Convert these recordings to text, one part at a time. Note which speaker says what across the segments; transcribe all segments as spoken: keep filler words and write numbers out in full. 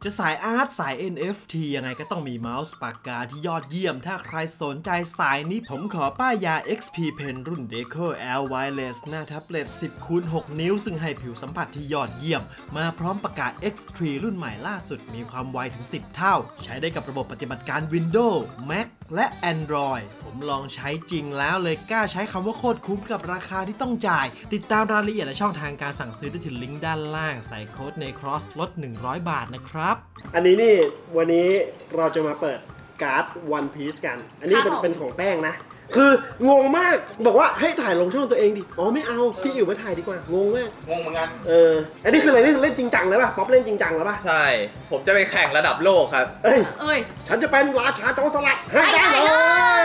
Speaker 1: จะสายอาร์ตสาย เอ็น เอฟ ที ยังไงก็ต้องมีเมาส์ปากกาที่ยอดเยี่ยมถ้าใครสนใจสายนี้ผมขอป้ายยา เอ็กซ์ พี Pen รุ่น Deco L Wireless หน้าแท็บเล็ต สิบคูณหก นิ้วซึ่งให้ผิวสัมผัสที่ยอดเยี่ยมมาพร้อมปากกา เอ็กซ์ ทรี รุ่นใหม่ล่าสุดมีความไวถึงสิบเท่าใช้ได้กับระบบปฏิบัติการ Windows Mac และ Android ผมลองใช้จริงแล้วเลยกล้าใช้คำว่าโคตรคุ้มกับราคาที่ต้องจ่ายติดตามรายละเอียดและช่องทางการสั่งซื้อได้ที่ลิงก์ด้านล่างใส่โค้ดใน Cross ลดหนึ่งร้อยบาทนะครับ
Speaker 2: อันนี้นี่วันนี้เราจะมาเปิดการ์ด One Piece กันอันนี้เป็นเป็นของแป้งนะคืองงมากบอกว่าให้ถ่ายลงช่องตัวเองดิอ๋อไม่เอาพี่อิ๋วมาถ่ายดีกว่างงมาก
Speaker 3: งงเหมือนกัน
Speaker 2: เอออันนี้คืออะไรนี่เล่นจริงจังเลยป่ะป๊อปเล่นจริงจังแล้วป่ะ
Speaker 4: ใช่ผมจะไปแข่งระดับโลกครับ
Speaker 2: เอ้ย
Speaker 5: เอ้ย
Speaker 2: ฉันจะเป็นราชาโจรสลัดให้ได้เลย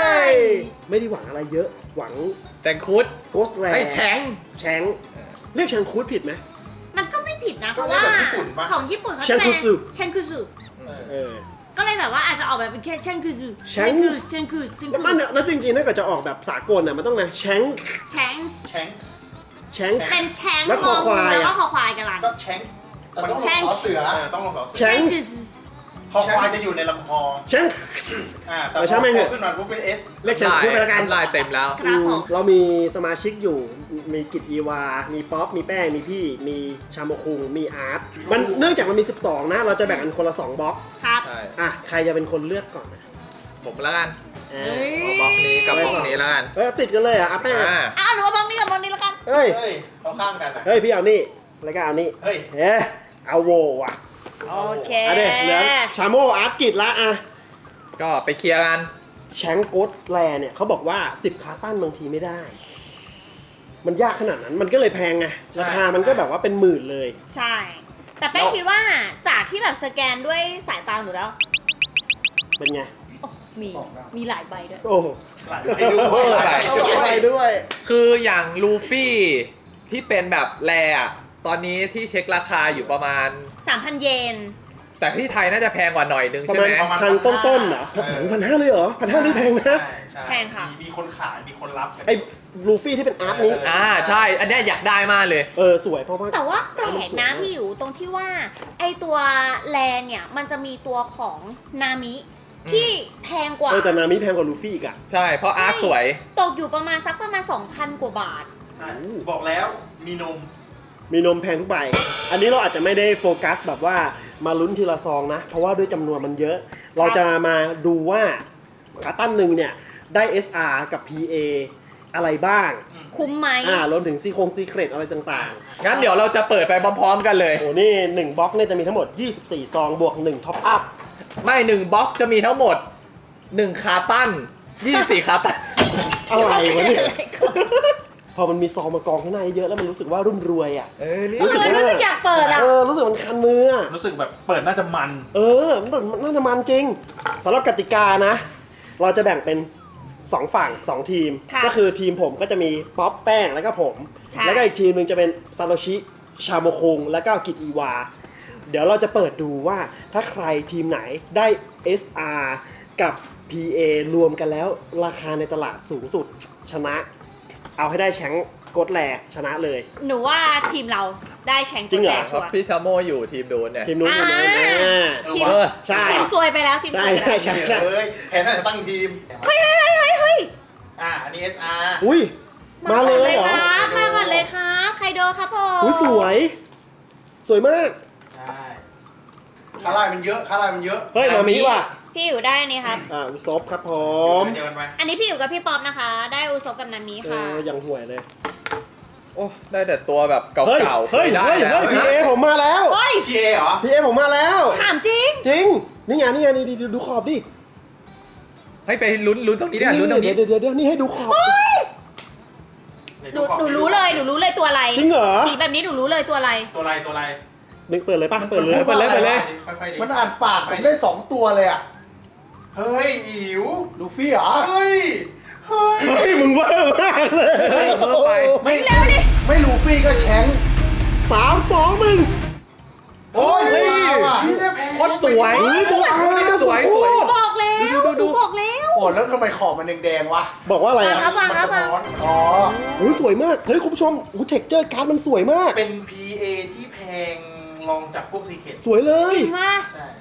Speaker 2: ไม่ได้หวังอะไรเยอะหวัง
Speaker 4: แซงคูด
Speaker 2: โกสแร
Speaker 4: ให้แชง
Speaker 2: แชงเรียกแชงคูดผิดไหม
Speaker 5: มันก็ไม่ผิดนะเพราะว่าของญี่ปุ่นเขาจะเป็นเชนคุซุ
Speaker 2: เออ
Speaker 5: ก็เลยแบบว่าอาจจะออกแบบเป็นแค่เชนคุซุ
Speaker 2: เชนคุ
Speaker 5: เชนคุซุ
Speaker 2: แล้วแล้วจริงๆถ้าเกิดจะออกแบบสากลน่ะมันต้องนะแชง
Speaker 5: แชง
Speaker 3: แชง
Speaker 2: แชง
Speaker 5: เป็นแชง
Speaker 2: แล้วคอควาย
Speaker 5: แล้วก็คอควายกันล่ะ
Speaker 3: ก็แชงมันต้องลงสอเสือต้องลงสอเสือ
Speaker 2: แชง
Speaker 3: คอควายจะอยู่ในลำคอ
Speaker 2: แชง
Speaker 3: อ่าแต่พอขึ้นมาปุ๊บเป็น S
Speaker 2: เรียกแชงคูดไปแล้วกัน
Speaker 4: ลายเต็มแล้ว
Speaker 2: เรามีสมาชิกอยู่มีกิจอีวามีป๊อปมีแป้งมีพี่มีชาโมคุงมีอาร์ตมันเนื่องจากมันมีสิบสองนะเราจะแบ่งกันคนละสองบล็อก
Speaker 5: ครับ
Speaker 2: อ่ะใครจะเป็นคนเลือกก่อนนะ
Speaker 4: ผมแล้วกันบล็อกนี้กับบล็อกนี้แล้วกัน
Speaker 2: เออติดกันเลยอ่ะแป้ง
Speaker 5: อ้าวหนูว่าบล็อกนี้กับบล็อกนี้แล้วกัน
Speaker 2: เฮ้ย
Speaker 3: เขาข้างกัน
Speaker 2: เฮ้ยพี่เอานี่แล้วก็เอานี่
Speaker 3: เฮ้ย
Speaker 2: เอ๊ะเอาโวอ่ะ
Speaker 5: โอเค
Speaker 2: อ่ะเด็กเหลือชาโมอาร์ตกิจละอ่ะ
Speaker 4: ก็ไปเคลียร์กัน
Speaker 2: แชงโกดแลเนี่ยเขาบอกว่าสิบคาตันบางทีไม่ได้มันยากขนาดนั้นมันก็เลยแพงไงราคามันก็แบบว่าเป็นหมื่นเลย
Speaker 5: ใช่แต่แป้งคิดว่าจากที่แบบสแกนด้วยสายตาหนูแล้ว
Speaker 2: เป็นไง
Speaker 5: มีมีหลายใบด้วย
Speaker 2: โอ้
Speaker 3: หลายใบด้วย
Speaker 2: หลายใบด้วย
Speaker 4: คืออย่างลูฟี่ที่เป็นแบบแรอะตอนนี้ที่เช็คราคาอยู่ประมาณ
Speaker 5: สามพัน เยน
Speaker 4: แต่ที่ไทยน่าจะแพงกว่าหน่อยนึงใช่ไหม
Speaker 2: ประมาณพันต้นๆเหรอพันห้าเลยเหรอพันห้านี่แพงนะ
Speaker 5: แพงค่ะ
Speaker 3: มีคนขายมีคนรับ
Speaker 2: ไอ้ลูฟี่ที่เป็นอาร์ตนี้
Speaker 4: อ่าใช่อันนี้อยากได้มากเลย
Speaker 2: เออสวยเพราะว่า
Speaker 5: แต่ว่าแปลกนะพี่อยู่ตรงที่ว่าไอตัวแลนเนี่ยมันจะมีตัวของนามิที่แพงกว่า
Speaker 2: เออแต่นามิแพงกว่าลูฟี่อีกอ่ะ
Speaker 4: ใช่เพราะอาร์ตสวย
Speaker 5: ตกอยู่ประมาณสักประมาณ สองพัน กว่าบาท
Speaker 3: ใช่บอกแล้วมีนม
Speaker 2: มีนมแพงทุกใบอันนี้เราอาจจะไม่ได้โฟกัสแบบว่ามาลุ้นทีละซองนะเพราะว่าด้วยจำนวนมันเยอะเราจะมาดูว่าขาตั้นหนึ่งเนี่ยได้ เอส อาร์ กับ พี เอ อะไรบ้าง
Speaker 5: คุ้มไหม
Speaker 2: อ่ารวมถึงซีโครงซีเครตอะไรต่าง
Speaker 4: ๆงั้นเดี๋ยวเราจะเปิดไปพร้อมๆกันเลย
Speaker 2: โอ้นี่หนึ่งบล็อกเนี่ยจะมีทั้งหมดยี่สิบสี่ซองบวกหนึ่งท็อปอัพ
Speaker 4: ไม่หนึ่งบล็อกจะมีทั้งหมดหนึ่งคาตั้นยี่สิบสี่คาตั้น
Speaker 2: อะไรวะเนี่ยพอมันมีซองมากองข้างในเยอะแล้วมันรู้สึกว่ารุ่มรวยอ่ะ
Speaker 5: เออรู้สึกรู้สึกอยากเปิดอ่ะ
Speaker 2: เออรู้สึกมันคันมือ
Speaker 3: รู้สึกแบบเปิดน่าจะมัน
Speaker 2: เออมันน่าจะมันจริงสำหรับกติกานะเราจะแบ่งเป็นสองฝั่งสองทีมก็คือทีมผมก็จะมีป๊อปแป้งแล้วก็ผมแล้วก็อีกทีมนึงจะเป็นซาโตชิชาโมคงแล้วก็กิจอีวาเดี๋ยวเราจะเปิดดูว่าถ้าใครทีมไหนได้ เอส อาร์ กับ พี เอ รวมกันแล้วราคาในตลาดสูงสุดชนะเอาให้ได้แชงกดแลชนะเลย
Speaker 5: หนูว่าทีมเราได้แชงกดแลชัวร์
Speaker 4: พี่ชาโมอยู่ทีมโดนเนี่ย
Speaker 2: ทีมนู้นทีมนู้น
Speaker 5: ทีมใช่ทีมซวยไปแล้วทีมซวยไปแล้ว
Speaker 2: ใช่ใช่
Speaker 3: เฮ้ยแผนน่าจะตั้งทีม
Speaker 5: เฮ้ยเฮ้ยเฮ้ยเฮ้ย
Speaker 3: อ่าอันนี้ เอส อาร์
Speaker 2: อุ้ยมาเลยเหรอ
Speaker 5: มาก่อนเลยครับไคโดครับผม
Speaker 2: อุ้ยสวยสวยมาก
Speaker 3: ใช่คาร่ามันเยอะคาร่ามันเยอะ
Speaker 2: เฮ้ยมามีว่ะ
Speaker 5: พี่อยู่ได้นี่ครับ
Speaker 2: อ่าอุซบครับผม
Speaker 5: อันนี้พี่อยู่กับพี่ป๊อปนะคะได้อุซบกับนามิค่ะ
Speaker 2: ยังห่วยเลย
Speaker 4: โอ้ได้แต่ตัวแบบเก่าๆ
Speaker 2: เฮ้ยเฮ้ยเฮ้ยพีเอผมมาแล้ว
Speaker 3: พีเอเหรอ
Speaker 2: พีเอผมมาแล้ว
Speaker 5: ถามจริง
Speaker 2: จริงนี่ไงนี่ไงนี่ดูขอบดิ
Speaker 4: ให้ไปลุ้นลุ้นตรงนี้เนี่ยลุ้นตรงนี้
Speaker 2: เดี๋ยวเดี๋ยวเดี๋ยวนี่ให้ดูขอบ
Speaker 5: หนูหนูรู้เลยหนูรู้เลยตัวอะไร
Speaker 2: จริงเหรอ
Speaker 5: สีแบบนี้หนูรู้เลยตัวอะไร
Speaker 3: ตัวอะไรตัวอะไร
Speaker 2: นึกเปิดเลยป่ะเปิดเลย
Speaker 4: เปิดเลยเปิดเลย
Speaker 3: มันอ่านปากผมได้สองตัวเลยอ่ะเฮ้ยอิ๋ว
Speaker 2: ลูฟี่เหรอ
Speaker 3: เฮ้ยเฮ้
Speaker 2: ยมึงเวอร์มากเลย
Speaker 4: เวอร์ไป
Speaker 5: ไม่เร็วดิ
Speaker 3: ไม่ลูฟี่ก็แชง
Speaker 2: สามสองหนึ่ง
Speaker 3: โอ้ย
Speaker 4: โคตรสวยสวยสวยสวย
Speaker 5: บอกแล้วดูดูบอกแล้ว
Speaker 3: โอ้แล้วทำไมขอบมันแดงๆวะ
Speaker 2: บอกว่าอะไรอ่ะ
Speaker 5: มันสะท้อน
Speaker 3: อ๋อ
Speaker 2: โอ้สวยมากเฮ้ยคุณผู้ชมโอ้เท็กเจอร์การ์ดมันสวยมาก
Speaker 3: เป็น พี เอ ที่แพงลองจากพวกซีเคท
Speaker 2: สวยเลย
Speaker 5: จริงมาก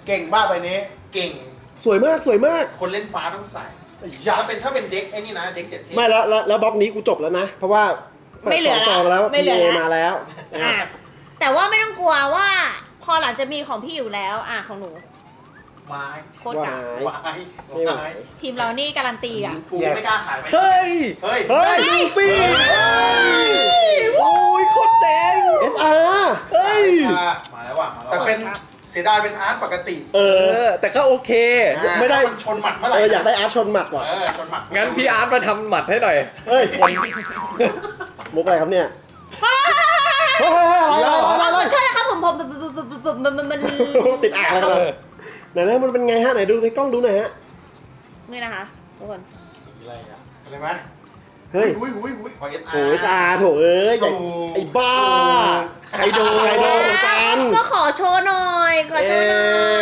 Speaker 3: เก่งบ้าใบนี้
Speaker 6: เก่ง
Speaker 2: สวยมากสวยมาก
Speaker 6: คนเล่นฟ้าต้องใส่
Speaker 3: ยั
Speaker 6: ถ้า
Speaker 3: บ
Speaker 6: เป็นถ้าเป็นเด็กไอ้นี่นะ เด็กเจ็ดเทพ
Speaker 2: ไม่แล้วแล้วแล้วบล็อกนี้กูจบแล้วนะ เพราะว่า
Speaker 5: ไม่เหลือ
Speaker 2: สองซองแล้ว
Speaker 5: ไม่
Speaker 2: พี
Speaker 5: เหลือ
Speaker 2: เอ
Speaker 5: ละ
Speaker 2: มาแล้ว
Speaker 5: อ่ะแต่ว่าไม่ต้องกลัวว่า พอหลังจะมีของพี่อยู่แล้ว อ่ะของหนู
Speaker 6: ไม้
Speaker 5: โคตรจ๋า
Speaker 2: ว้าย
Speaker 6: ไม้
Speaker 2: ไม่ไหว
Speaker 6: ไม้
Speaker 5: ทีมเรานี่การันตีอ่ะ
Speaker 6: ปูไม่กล้าขายไหม
Speaker 4: เฮ้ย
Speaker 6: เฮ้ย
Speaker 2: เฮ้ย
Speaker 4: ลูฟี่โอ้ยโคตรเจ๋ง
Speaker 2: เอสอาร์เฮ้ย
Speaker 6: อ่ะมาแล้วว่ะมาแล้ว
Speaker 3: แต่
Speaker 6: ว่ะ
Speaker 3: เป็นเสียดายเป็นอาร์ตปกติ
Speaker 2: เอ
Speaker 4: เอ
Speaker 2: อ
Speaker 4: อ แต่ก็โอเค
Speaker 6: อ่ะ
Speaker 2: ไม่ได้
Speaker 6: ถ้ามันชนหมัดเมื่อไห
Speaker 2: เอ
Speaker 6: ร่
Speaker 2: ออยากได้อาร์ตชนหมัดว่ะ
Speaker 6: เออชนหมัด
Speaker 4: งั้นพี่อาร์ตมาทำหมัดให้หน่อย
Speaker 2: เฮ้ยมุกอะไรครับเนี่ยเฮ้ยเฮ้ยเฮ้ยอะไร
Speaker 5: ข
Speaker 2: อะไร
Speaker 5: อ
Speaker 2: อะไร
Speaker 5: โทษนะครับผมผมผมผมผมผมมันมัน
Speaker 2: ติดอ่างอะไรกันไหนๆมันเป็นไงฮะไหนดูในกล้องดูหน่อยฮะ
Speaker 5: นี่นะคะทุกคน
Speaker 6: สีอะไรอ่ะอะไรไหม
Speaker 2: เฮ้ย
Speaker 6: อุ้ยอุ้ยอุ้ยของเอสอาร์
Speaker 2: โอ้ยซาโถเอ้ยใหญ่
Speaker 6: โอ้
Speaker 2: ไอ้บ้าใครโดนใครโดนเหมือนกัน
Speaker 5: ก็ขอโชว์หน่อย ขอโชว์หน่อย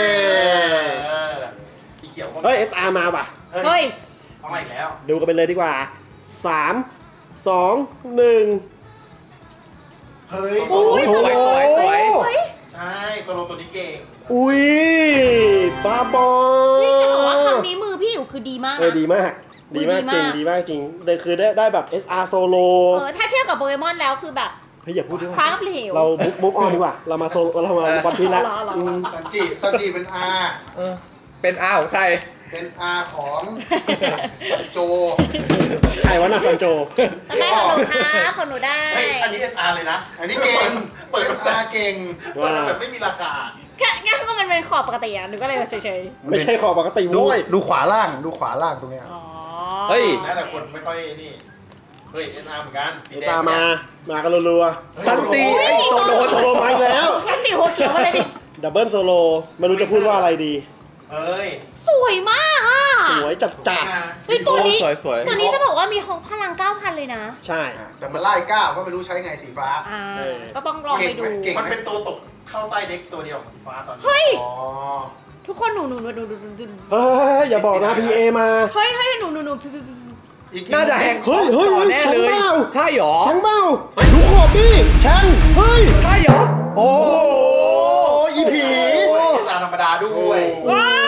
Speaker 6: เออสีเขียวก็
Speaker 2: เฮ้ย เอส อาร์ มาป่ะ
Speaker 5: เฮ้ย
Speaker 6: เอามาอีกแล้ว
Speaker 2: ดูกันไปเลยดีกว่าสาม สอง หนึ่ง
Speaker 6: เฮ้ย
Speaker 2: โอ้ย
Speaker 4: สวยสวยสวย
Speaker 5: เฮ้ย
Speaker 6: ใช่โซโลตัวนี้เก่ง
Speaker 2: อุ้ยบ้าบอ
Speaker 5: นี่จะบอกว่าครั้งนี้มือพี่อยู่คือดีมาก
Speaker 2: เออ
Speaker 5: นะ
Speaker 2: ดีมาก ดีมากจริง ดีมากจริงเลยคือได้ได้แบบ เอส อาร์ โซโล
Speaker 5: เออถ้าเทียบกับโปเกมอนแล้วคือแบบ
Speaker 2: เฮ้ยอย่าพูดด้วย
Speaker 5: ฟ้ากับเหว
Speaker 2: เรามุกมุกออนดีกว่า เรามาโซเรามาวันพีแล้ว
Speaker 5: รอรอรอ
Speaker 2: อืม
Speaker 3: ซันจิซันจิเป็นอาร์
Speaker 4: เออเป็นอาของใคร
Speaker 3: เป็นอาร์ของซันโจ
Speaker 2: ใครวะน่ะซันโจ
Speaker 5: ทำไมของหนูครับของหนูได้
Speaker 6: เฮ้ยอันนี้ เอส อาร์ เลยนะ
Speaker 3: อันนี้เก่ง
Speaker 6: เปิด
Speaker 3: เอสอาร์เก่ง
Speaker 6: เปิดมาแบบไม่มีราคา
Speaker 5: แค่แค่ก็มันเป็นขอบปกติอ่ะหนูก็เลยเฉย
Speaker 2: ไม่ใช่ขอปกติ
Speaker 3: ดู
Speaker 2: ด้วย
Speaker 3: ดูขวาล่างดูขวาล่างตรงเนี้ย
Speaker 5: ๆอ๋อ
Speaker 4: เฮ้ย
Speaker 6: นะแต่คนไม่ค่อยนี่ เฮ้ย เอส อาร์ เหมือนกัน สี
Speaker 2: เอ
Speaker 6: แด
Speaker 2: ส
Speaker 6: ง
Speaker 2: อาร์มา มากันรัวๆ
Speaker 4: ซันจิไอ้โซโล
Speaker 2: โซโลมาอีกแล้ว
Speaker 5: สันติหัวเขียวมาเลยดิ
Speaker 2: ดับเบิลโซโลไม่รู้จะพูดว่าอะไรดี
Speaker 6: เอ้ย
Speaker 5: สวยมากอ่ะ
Speaker 2: สวยจัดจัด
Speaker 6: นะ
Speaker 5: เฮ้ยตัวนี้
Speaker 4: สวยสวย
Speaker 5: ตัวนี้จะบอกว่ามีของพลังเก้าพันเลยนะ
Speaker 2: ใช่
Speaker 3: แต่มันไล่ก้าวก็ไม่รู้ใช้ไงสีฟ้า
Speaker 5: อ่า
Speaker 2: เออ
Speaker 5: ก็ต้องลองไปดู
Speaker 3: เก่งไห
Speaker 6: มันเป็นตัวตกเข้าใต้เด็กตัวเดียวของสีฟ้าตอนนี้
Speaker 5: เฮ้ย
Speaker 3: อ๋อ
Speaker 5: ทุกคนหนูหนูหนูหนูหนูหนูหนู
Speaker 2: เฮ้ยอย่าบอกนะ พี เอ มา
Speaker 5: เฮ้ยเฮ้ยหนูหนูหนู
Speaker 3: อีก
Speaker 4: น่าจะแหง
Speaker 2: เฮ้ยเฮ้ย
Speaker 4: ต่อแน่เลย
Speaker 2: ฉันเปล่า
Speaker 4: ใช่หรอ
Speaker 2: แชงเบ้าดูขอบดิแชงเฮ้ย
Speaker 4: ใช่หรอ โอ้
Speaker 2: โอ้อีผี
Speaker 6: เอส อาร์ ธรรมดาด้วย
Speaker 5: ว้าย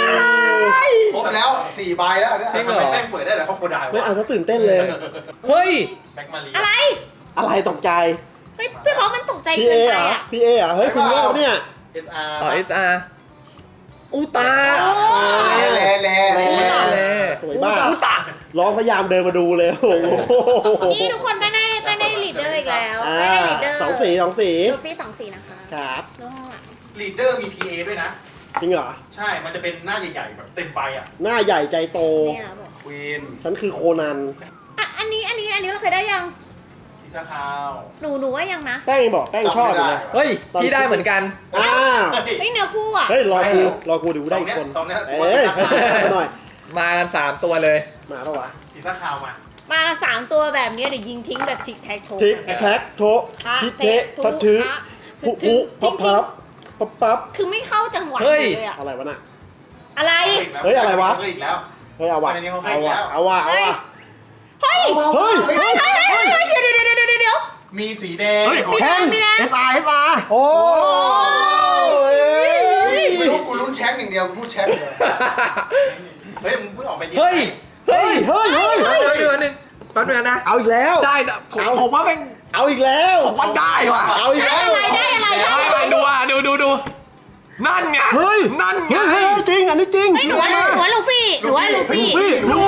Speaker 3: ครบแล้วสี่ใบแล้วเนี่ย
Speaker 4: จริงเหรอ
Speaker 6: ทำไมแม่งเปิดได้แต่เขาโคดายวะ
Speaker 2: ไม่เอาซะตื่นเต้นเลย
Speaker 4: เฮ้ย
Speaker 6: แบ็กมารี
Speaker 5: อะไร
Speaker 2: อะไรตกใจ
Speaker 5: เฮ้ยพี่บอกมันตกใจ
Speaker 2: พี
Speaker 5: เกิ
Speaker 2: เอน
Speaker 5: ไป
Speaker 2: เหรอ
Speaker 5: อ่ะ
Speaker 2: พีเอเหรอเฮ้ยคุณเล่าเนี่ย
Speaker 6: เอส อาร์
Speaker 4: อ๋อ เอส อาร์ อูตา
Speaker 3: แลแลแล
Speaker 2: แล
Speaker 4: แล
Speaker 2: สวยมากร้องพยายามเดินมาดูเลยโอ้โห
Speaker 5: นี่ทุกคนไม่ได้ไม่ได้ลีดเดอร์อีกแล้ว
Speaker 2: อ่า
Speaker 5: ไม่ได้ลีดเดอร์
Speaker 2: สองสีสองสี
Speaker 5: ลูฟี่สองสีนะคะ
Speaker 2: ครับ
Speaker 5: ดูข้างหลัง
Speaker 6: ลีดเดอร์มี พี เอ ด้วยนะ
Speaker 2: จริงเหรอ
Speaker 6: ใช่ มันจะเป็นหน้าใหญ่ๆ แบบเต็มใบอ่ะ
Speaker 2: หน้าใหญ่ใจโต
Speaker 5: เนี่ยบอก
Speaker 6: ควีน
Speaker 2: ฉันคือโคนัน
Speaker 5: อ่ะอันนี้อันนี้อันนี้เราเคยได้ยัง
Speaker 6: ซีซ่าคาว
Speaker 5: หนูหนูว่ายังนะ
Speaker 2: แป้งยังบอกแป้งชอบอยู่เลย
Speaker 4: เฮ้ย พี่ได้เหมือนกัน
Speaker 2: อ้าว
Speaker 6: เฮ้ย
Speaker 5: เฮ้ยเนื้อคู่อ่ะ
Speaker 2: เฮ้ยรอกูรอกูดูได้อีกคน
Speaker 6: สองเนี้ยส
Speaker 2: เอ้
Speaker 6: องเนี้
Speaker 2: ย
Speaker 6: ย
Speaker 2: มาหน่อย
Speaker 4: มากันสามตัวเลย
Speaker 2: มาปะวะ
Speaker 6: ซีซ่าคาวมา
Speaker 5: มาสามตัวแบบนี้เดี๋ยวยิงทิ้งแบบทิกแท็กโชว์
Speaker 2: ทิกแท็กโทะทิเทะทัดทือพุพุพับพับพับพับ
Speaker 5: คือไม่เข้าจังหวะ
Speaker 4: เฮ้ย
Speaker 5: เลยอะ
Speaker 2: อะไรวะน่ะ
Speaker 5: อะไร
Speaker 2: เฮ้ยอะไรวะ
Speaker 6: เฮ้ยอีกแล้ว
Speaker 2: เฮ้ยเอาวะ
Speaker 6: อันนี้เขาให้
Speaker 2: เอา
Speaker 6: อีก
Speaker 2: วะ
Speaker 6: แล้ว
Speaker 2: เอาวะเอาวะ
Speaker 5: เฮ้ย
Speaker 2: เฮ้ย
Speaker 6: เฮ้ย
Speaker 2: เฮ้ย
Speaker 5: เฮ้ยเฮ้ยเฮ้ยเดี๋ยวเดี๋ยวเดี๋ยวเดี๋ยวเดี๋ยว
Speaker 6: มีสีแดง
Speaker 2: แชง
Speaker 5: มีนะ
Speaker 2: เอสอาร์เอสอาร์โอ้ย
Speaker 3: ไม่รู้กูลุ้นแชมป์อย่างเดียวกูพูดแชมป์เลย
Speaker 6: เฮ้ยมึงเพิ่งออกไปยิง
Speaker 4: เฮ้ย
Speaker 2: เฮ้ยเฮ้ยเฮ้ย
Speaker 4: เฮ้ยเดี๋ยวนึงแป๊บนึงนะ
Speaker 2: เอาอีกแล้ว
Speaker 4: ได้นะผม
Speaker 2: เอา
Speaker 4: ผมว่าเป็น
Speaker 2: เอาอีกแล้ว
Speaker 4: ผมว่าได้ว่ะ
Speaker 2: เอาอีกแล้ว
Speaker 5: ได้อะไรได้อะไรได้
Speaker 4: ได้
Speaker 5: อะไร
Speaker 4: ดูอ่ะดูดูดูนั่นไง
Speaker 2: เฮ้ย
Speaker 4: นั่นไง
Speaker 2: เฮ้ยเฮ้ยจริงอันนี้จริง
Speaker 5: ไม่หนูว่าหนูว่าลูฟี่หนูว่าลูฟี่
Speaker 2: ลูฟี่
Speaker 4: ดู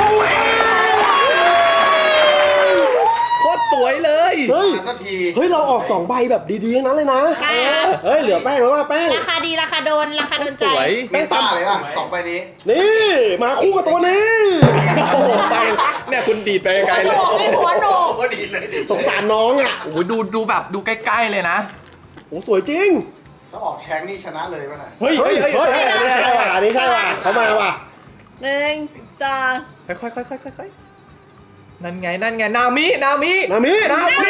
Speaker 4: โคตรสวยเลย
Speaker 2: เฮ้ย
Speaker 3: มาสักที
Speaker 2: เฮ้ยเราออกสองใบแบบดีๆทั้งนั้นเลยนะ
Speaker 5: อ่า
Speaker 2: เฮ้ยเหลือแป้งแล้วว่าแป้ง
Speaker 5: ราคาดีราคาโดนราคาโดนใจ
Speaker 4: สวย
Speaker 3: เมตาเลยอ่ะสองใบนี้
Speaker 2: นี่มาคู่กับตัวนี้
Speaker 4: โอ้โหฟังเนี่ยคุณดีดไปไกลเลย
Speaker 5: หัวโหนกไอ้หัวโหนก
Speaker 6: โอ้ดีเลยดี
Speaker 2: สงสารน้องอ่ะ
Speaker 4: โอ้โหดูดูแบบดูใกล้ๆเลยนะ
Speaker 2: โอ้สวยจริง
Speaker 3: ถ้าออกแชมป์นี่ชนะเลยป่ะน่ะ
Speaker 4: เฮ้ย
Speaker 2: เฮ้
Speaker 4: เฮ้
Speaker 2: ย
Speaker 4: ย
Speaker 2: เฮ้
Speaker 4: เฮ้
Speaker 2: ย
Speaker 4: ย
Speaker 2: อันนี้ใช่ว่ะอันนี้ใช่ว่ะเขามาว่ะ
Speaker 5: หนึ่งสอง
Speaker 4: ค่อยค่อยค่อยค่อยค่อยนั่นไงนั่นไงนามินามิ
Speaker 2: นามิ
Speaker 4: นามิ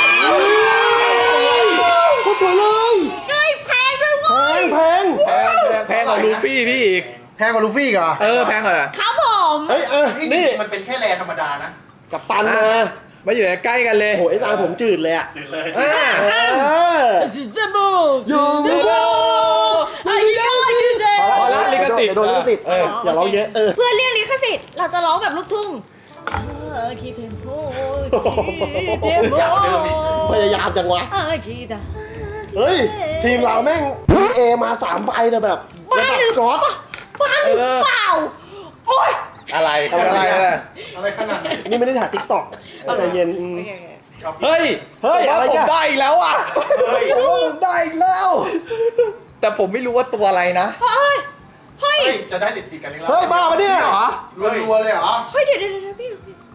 Speaker 2: ก็สวยเลย
Speaker 5: เฮ้ยแพงด้วย
Speaker 2: แพ
Speaker 5: เว้ย
Speaker 2: งแพง
Speaker 4: แพงแพงแพงกว่าลูฟี่พี่อีก
Speaker 3: แพ้กับลูฟี่ก่อน
Speaker 4: เออแพงกว่า
Speaker 5: ครับผม
Speaker 2: เฮ้ยเออ
Speaker 6: นี่จ
Speaker 2: นี่
Speaker 6: ริงๆมันเป็นแค่แรธรรมดานะ
Speaker 2: กับตันมา
Speaker 4: มาอยู่ใกล้กันเลย
Speaker 2: โอ้เอสอาร์ผมจืดเลยอ่ะ
Speaker 6: จืดเลย
Speaker 4: อ่า
Speaker 2: เออ
Speaker 5: ซิซาบู
Speaker 2: ยู
Speaker 4: โอ้โห
Speaker 5: ไอ้ยอดดีเจ
Speaker 4: พอละลิสิทธิ์
Speaker 2: เดี๋ยวโดนลิขสิทธิ์
Speaker 4: เออ
Speaker 2: อย่าร้องเยอะเออ
Speaker 5: เพื่อเลี่ยงลิขสิทธิ์เราจะร้องแบบลูกทุ่งเออคีเทมโพคีเทมโพ
Speaker 6: อยากเดิมดิ
Speaker 2: พยายามจังวะ
Speaker 5: เออคีตา
Speaker 2: เฮ้ย ทีมเราแม่ง พี เอ มาสามใบแต่แบบ
Speaker 5: บ้า
Speaker 2: ระดับ
Speaker 5: หรือ
Speaker 2: ก๊อต
Speaker 5: บ้าหรือเปล่าโอ๊ย
Speaker 4: อะไร
Speaker 2: อะไรอะไร
Speaker 3: อะไรขนาดนั้น
Speaker 2: นี่ไม่ได้ถ่ายติ๊กต็อกใจเย็นอืม
Speaker 4: เฮ้ย
Speaker 2: เฮ้ย
Speaker 4: ผมว่า
Speaker 2: อะไร
Speaker 4: ผม
Speaker 2: กัน
Speaker 4: ได้อีกแล้วอ่ะ
Speaker 6: เฮ้ย
Speaker 4: ผมว่าผมได้อีกแล้ว แต่ผมไม่รู้ว่าตัวอะไรนะ
Speaker 5: เฮ้ยเฮ้ย
Speaker 6: เฮ้ย จะได้ติดติดๆกันอีกแล้ว
Speaker 2: เฮ้ย บ้าปะเนี่ย
Speaker 4: เหรอ
Speaker 3: รัวๆเลยเหรอ
Speaker 5: เฮ้ยเดี๋ยวเดี๋ยวเดี๋ยวพี่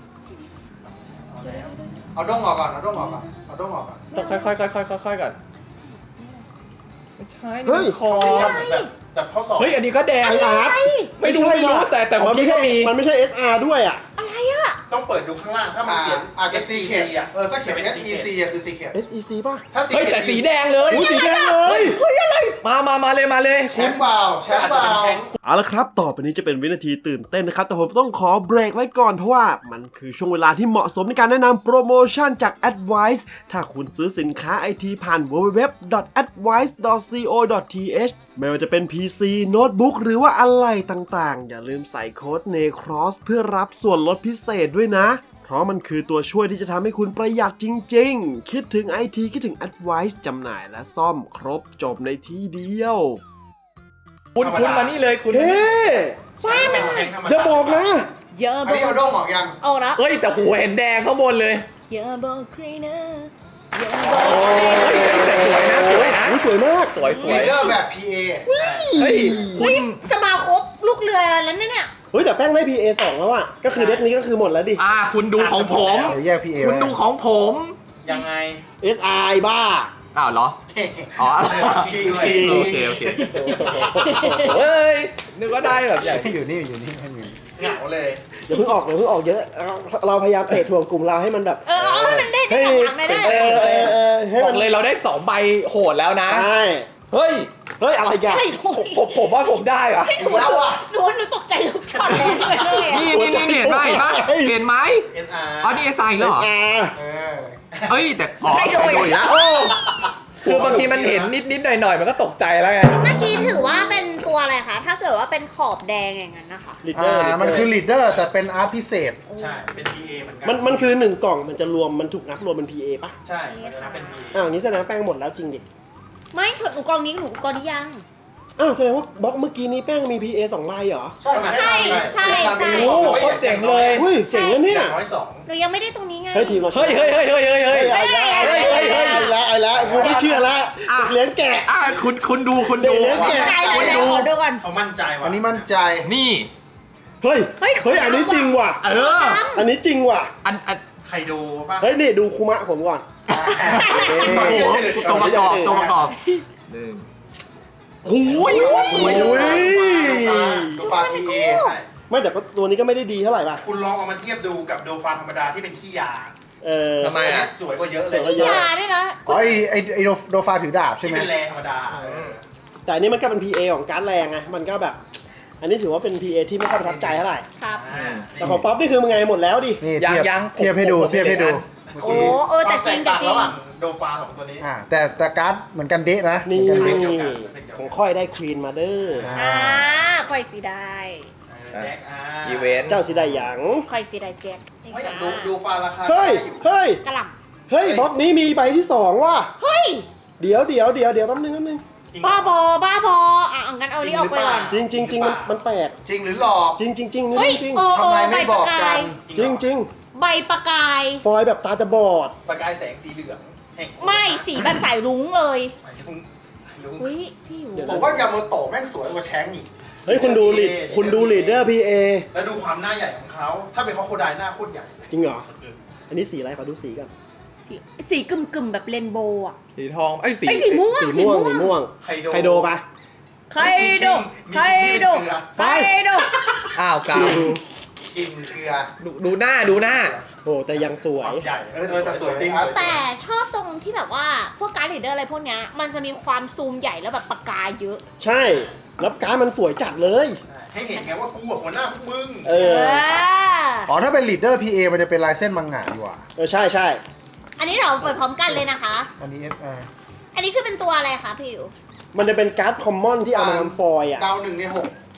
Speaker 3: เอาด้งออกก่อน เอาด้งออกก่อน เอาด้งออกก่อน
Speaker 4: ต้องค่อยๆค่อยๆค่อยๆก่อนไม่ใช่
Speaker 2: เฮ้
Speaker 4: นี่
Speaker 2: ย
Speaker 4: มันคอ
Speaker 6: แบบแบบข้อสอบ
Speaker 4: เฮ้ยอันนี้ก็แดง
Speaker 2: ไออาร์ต
Speaker 4: ไม่รู้ไม่รู้แต่แต่ผม
Speaker 2: มัน
Speaker 4: คิ
Speaker 2: ไม่
Speaker 4: ด
Speaker 2: ใช่
Speaker 4: ว่ามี
Speaker 2: มันไม่ใช่ เอส อาร์ ด้วยอ่ะ
Speaker 5: อะไรอะ
Speaker 6: ต้องเปิดดูข้างล่าง ถ้ามัน
Speaker 3: อ่า
Speaker 6: เขียน
Speaker 3: อาจจะ
Speaker 6: เอ
Speaker 3: ซีเค
Speaker 6: อ่ะ
Speaker 3: เออ ถ้าเขียนเป็น เอส อี ซี อ่ะคือซีเค
Speaker 2: เอส อี ซี ป่ะ
Speaker 6: ถ้าสี
Speaker 4: เฮ้ยแต่สีแดงเลย
Speaker 2: อู้สีแดงเลย
Speaker 5: เฮ้ยอะไร
Speaker 4: มามามาเลยมาเลย
Speaker 3: แชมป์เปล่าแชมป์เปล่า
Speaker 2: เอาละครับ ต่อไปนี้จะเป็นวินาทีตื่นเต้นนะครับ แต่ผมต้องขอเบรกไว้ก่อนเพราะว่ามันคือช่วงเวลาที่เหมาะสมในการแนะนำโปรโมชั่นจาก Advice ถ้าคุณซื้อสินค้าไอทีผ่าน ดับเบิลยู ดับเบิลยู ดับเบิลยู ดอท แอดไวซ์ ดอท ซี โอ ดอท ที เอช ไม่ว่าจะเป็น พี ซี โน้ตบุ๊กหรือว่าอะไรต่างๆ อย่าลืมใส่โค้ด NECROSS เพื่อรับส่วนลดพิเศษด้วยนะ เพราะมันคือตัวช่วยที่จะทำให้คุณประหยัดจริงๆ คิดถึง ไอ ที คิดถึง Advice จำหน่ายและซ่อมครบจบในที่เดียว
Speaker 4: คุณคุณมานี่เลยคุณ
Speaker 2: เฮ้
Speaker 6: ใช่เป็นแชงธรรมดา
Speaker 2: อย่าบอกนะ
Speaker 5: อย่า
Speaker 3: อัน
Speaker 5: บอ
Speaker 3: นี้เอา
Speaker 5: ก
Speaker 3: ด้งออกยัง
Speaker 5: เอาละ
Speaker 4: เฮ้ยแต่หัวเห็นแดงข้างบนเลย
Speaker 5: อย่าบอกใครนะอย่าบอก
Speaker 4: เฮ้ยแต่สวยนะสวยนะ
Speaker 2: อุ๊ยสวยมาก
Speaker 4: สวยสว
Speaker 3: ลี
Speaker 4: ย
Speaker 3: ดเดอร์แบบ พี เอ
Speaker 4: เฮ้ยคุ
Speaker 5: เฮ้
Speaker 4: ณ
Speaker 5: ยจะมาครบลูกเรือแล้วเนี่ย
Speaker 2: เฮ้ยแต่แป้งได้ พี เอ สองแล้วอ่ะ ก็คือเด็กนี้ก็คือหมดแล้วดิ
Speaker 4: อ่าคุณดูของผม
Speaker 3: เดี๋ยวแยก พี เอ
Speaker 4: คุณดูของผม
Speaker 6: ยังไง
Speaker 2: เอส อาร์ บ้า
Speaker 4: อ้าวเหรอ อ๋อ
Speaker 6: คิง
Speaker 4: โอเคโอเคเฮ้ยนึกว่าได้แบบใหญ่
Speaker 3: อยู่นี่อยู่นี่ให้อยู่
Speaker 6: เหงาเลย
Speaker 2: อย่าเพิ่งออกอย่าเพิ่งออกเยอะ เราเราพยายามเตะถ่วงกลุ่มเราให้มันแบบ
Speaker 5: เออเอาให้มันได้ได้หลังๆเลยได้
Speaker 2: เออเออเออให้
Speaker 4: บ
Speaker 2: มั
Speaker 4: อน กเลยเราได้สองใบโหดแล้วนะ
Speaker 2: ใช่
Speaker 4: เฮ้ย
Speaker 2: เฮ้ย อะไรกัน
Speaker 5: ไอ้โห
Speaker 4: ผมผมว่าผมได้อะ
Speaker 5: หนูแล้วอ่ะหนูหนูตกใจทุกช็อตเลยเลยอะ
Speaker 4: นี่นี่นี่เห็นไหมเห็นไหมเห็นไหม
Speaker 6: เอ็นอาร์
Speaker 4: อ๋อนี่เอสไอแล้วเหรอ
Speaker 2: อ่า
Speaker 6: เออ
Speaker 4: เฮ้ยแต่อ๋อ
Speaker 5: ใครโดน
Speaker 4: อีกแล้วโอ้คือบางทีมันเห็นนิดนิดหน่อยหน่อยมันก็ตกใจแล้วไง
Speaker 5: เมื่อกี้ถือว่าเป็นตัวอะไรคะ ถ้าเกิดว่าเป็นขอบแดงอย่างนั้นนะคะ
Speaker 2: ลีดเดอร์
Speaker 3: อ่ามันคือลีดเดอร์แต่เป็นอาร์ตพิเศษ
Speaker 6: ใช่ เป็น พี เอ เหมือนกั
Speaker 2: มันมันคือหนึ่งกล่องมันจะรวมมันถูกนับรวมเป็น พี เอ ป่ะ
Speaker 6: ใช่มันจะนับเป็น พี เอ
Speaker 2: อ้าวอย่างนี้แสดงว่าแป้งหมดแล้วจริงดิ
Speaker 5: ไม่คือหนูกองนี้หนูกองนี้ยัง
Speaker 2: อ้าวแสดงว่าบล็อกเมื่อกี้นี้แป้งมี พี เอ สองใบเหรอ
Speaker 3: ใช่
Speaker 5: ใช่ใช่ใช่
Speaker 4: โอ้โหโคตรเจ๋งเลย
Speaker 2: เฮ้ยเจ๋งนะเนี่ย
Speaker 6: อย่างน้อยสอง
Speaker 5: หนูยังไม่ได้ตรงนี้ไง
Speaker 2: เฮ้ยทีมเรา
Speaker 4: เฮ้ยเฮ้ยเฮ้ยเฮ้ยเฮ้ยเฮ้ย
Speaker 2: เฮ้ยเอาละเอาละเอาละเอาละเอาละกูไม่เชื่อละ
Speaker 4: อ่ะ
Speaker 2: เลี้ยงแกะ
Speaker 4: อ่ะคุณคุณดูคุณดู
Speaker 2: เดี๋ยวเดี๋ยว
Speaker 5: ใจแล้วเดี๋ยวขอดูก่อน
Speaker 6: เขามั่นใจว่ะ
Speaker 3: อันนี้มั่นใจ
Speaker 4: นี่
Speaker 2: เฮ้ย
Speaker 5: เฮ้ย
Speaker 2: เฮ้ยอันนี้จริงว่ะ
Speaker 4: เออ
Speaker 2: อันนี้จริงว่ะ
Speaker 4: อันอัน
Speaker 6: ใครดูป่ะ
Speaker 2: เฮ้ยนี่ดูคุมะผมก่อน
Speaker 6: โอ้โห
Speaker 4: ตัวประกอบตัวประกอบหนึ่งหูย
Speaker 2: โอ้ย
Speaker 3: ดูฟา พี เอ
Speaker 6: ใช่
Speaker 2: ไม่แต่ก็ตัวนี้ก็ไม่ได้ดีเท่าไหร่ป่ะ
Speaker 6: คุณลองเอามาเทียบดูกับโดฟาธรรมดาที่เป็นขี้ยา
Speaker 2: เออ
Speaker 4: ทำไมอ่ะ
Speaker 6: สวยกว่าเยอะเล
Speaker 2: สวยกว่าเย
Speaker 5: ยาด้วยนะ
Speaker 3: อ๋อไอไอไอโดโดฟาถือดาบใช่
Speaker 6: ที่
Speaker 3: ไหม
Speaker 6: เป็นแรงธรรมดาเออ
Speaker 2: แต่อันนี้มันก็เป็น พี เอ ของการ์ดแรงไง มันก็แบบ อันนี้ถือว่าเป็น พี เอ ที่ไม่ค่อยประทับใจเท่าไหร่
Speaker 5: ครับ
Speaker 6: อ่า
Speaker 2: แต่ของป๊อปนี่คือมึงไงหมดแล้วดิ
Speaker 3: นี่
Speaker 4: ยัง
Speaker 3: เทียบ
Speaker 4: ยัง
Speaker 3: เทียบให้ดู
Speaker 4: ผมผม
Speaker 3: เทียบให้ดู
Speaker 4: ผม
Speaker 5: โอ้เออแต่จริง
Speaker 6: ควา
Speaker 5: แต่
Speaker 6: ม
Speaker 5: จริง
Speaker 6: ระหว่างโดฟาสองตัวนี้
Speaker 3: อ่าแต่แต่การ์ดเหมือนกันเดะนะ
Speaker 2: นี่
Speaker 3: เหมือกั
Speaker 6: เดียวกัน
Speaker 2: ของค่อยได้ควีนมาเด้อ
Speaker 5: อ่าคอยสีได้
Speaker 6: เออแจ็คอ่า
Speaker 4: อีเวนต์
Speaker 2: เจ้าสิได้หยัง
Speaker 5: คอยสีได้แจ็คจริง
Speaker 6: เฮ้ย
Speaker 5: ค่ะ
Speaker 6: ดูดูฟาราคา
Speaker 2: เฮ้ย
Speaker 6: ได้อยู่
Speaker 2: เฮ้ย
Speaker 5: กระหล่
Speaker 2: เฮ้ยบล็อกนี้มีใบที่สองว่ะ
Speaker 5: ำเฮ้ย
Speaker 2: เดี๋ยวเดี๋ยวเดี๋ยวเดี๋ยวแป๊บนึงแป๊บนึง
Speaker 6: จริง
Speaker 5: บ้าบอบ้าบออ่ะเอางั้นเอานี้ออกไปก่อน
Speaker 2: จริงจริงจริงมันมันแปลก
Speaker 3: จริงหรือหลอก
Speaker 2: จริงจริงจริงนี่
Speaker 5: เฮ้ย
Speaker 2: จริง
Speaker 5: เออ
Speaker 3: ทำไมไม่
Speaker 5: ใบ
Speaker 3: บ
Speaker 5: ประ
Speaker 3: อก
Speaker 5: กา
Speaker 3: กั
Speaker 5: ย
Speaker 3: น
Speaker 2: จริงจริง
Speaker 5: ใบประกาย
Speaker 2: ฟอยล์แบบตาจะบอด
Speaker 6: ประกายแสงสีเหลืองแห่ง
Speaker 5: ไม่สีแบบสายรุ้งเลย
Speaker 6: สายลุงสายลุง
Speaker 5: อุ้ยพี่อยู่
Speaker 2: เดี๋ยว
Speaker 3: ผมว่ายาโมโตะแม่งสวยกว่าแชงก์อีก
Speaker 2: เฮ้ยคุณดูลีดคุณดูลีดเดอร์ พี เอ
Speaker 6: แล้วดูความหน้าใหญ่ของเขา ถ้าเป็นเขาโคไดหน้าโคตรใหญ่
Speaker 2: จริงเหรอ อันนี้สีอะไรขอดูสีกัน
Speaker 5: สีสีกึ่มกึ่มๆแบบเรนโบว์อ่ะ
Speaker 4: สีทองไอ้ยสี
Speaker 5: ไอ้สีม่วง
Speaker 2: สีม่วงสีม่วง
Speaker 6: ไคโด
Speaker 2: ไคโดปะ
Speaker 5: ไคโดไคโดไคโด
Speaker 4: อ้าวกาว
Speaker 3: กินเกลือ
Speaker 4: ดูดูหน้าดูหน้า
Speaker 2: โอ้แต่ยังสว
Speaker 6: ควาย มใหญ่
Speaker 3: เออเออแต่สวยจริง
Speaker 5: แต่ชอบตรงที่แบบว่าพวกการ์ดลีดเดอร์อะไรพวกเนี้ยมันจะมีความซูมใหญ่แล้วแบบประกายเยอะ
Speaker 2: ใช่ แล้วการ์ดมันสวยจัดเลย
Speaker 6: ให้เห็นไงว่ากูอะหัวหน้าพวกมึง
Speaker 2: เอ
Speaker 5: เอ
Speaker 2: อ
Speaker 5: อ
Speaker 3: อ๋อถ้าเป็นลีดเดอร์ พี เอ มันจะเป็นลายเส้นมังงะดีกว่า
Speaker 2: เออ ใช่ใช่
Speaker 5: อันนี้เราเปิดพร้อมกันเลยนะคะ
Speaker 3: อันนี้เอสอาร์
Speaker 5: อันนี้คือเป็นตัวอะไรคะพี่อยู่
Speaker 2: มันจะเป็นการ์ดคอมมอนที่เอามาทำฟอยล์อ่ะ
Speaker 3: ดาวหนึ่งในหก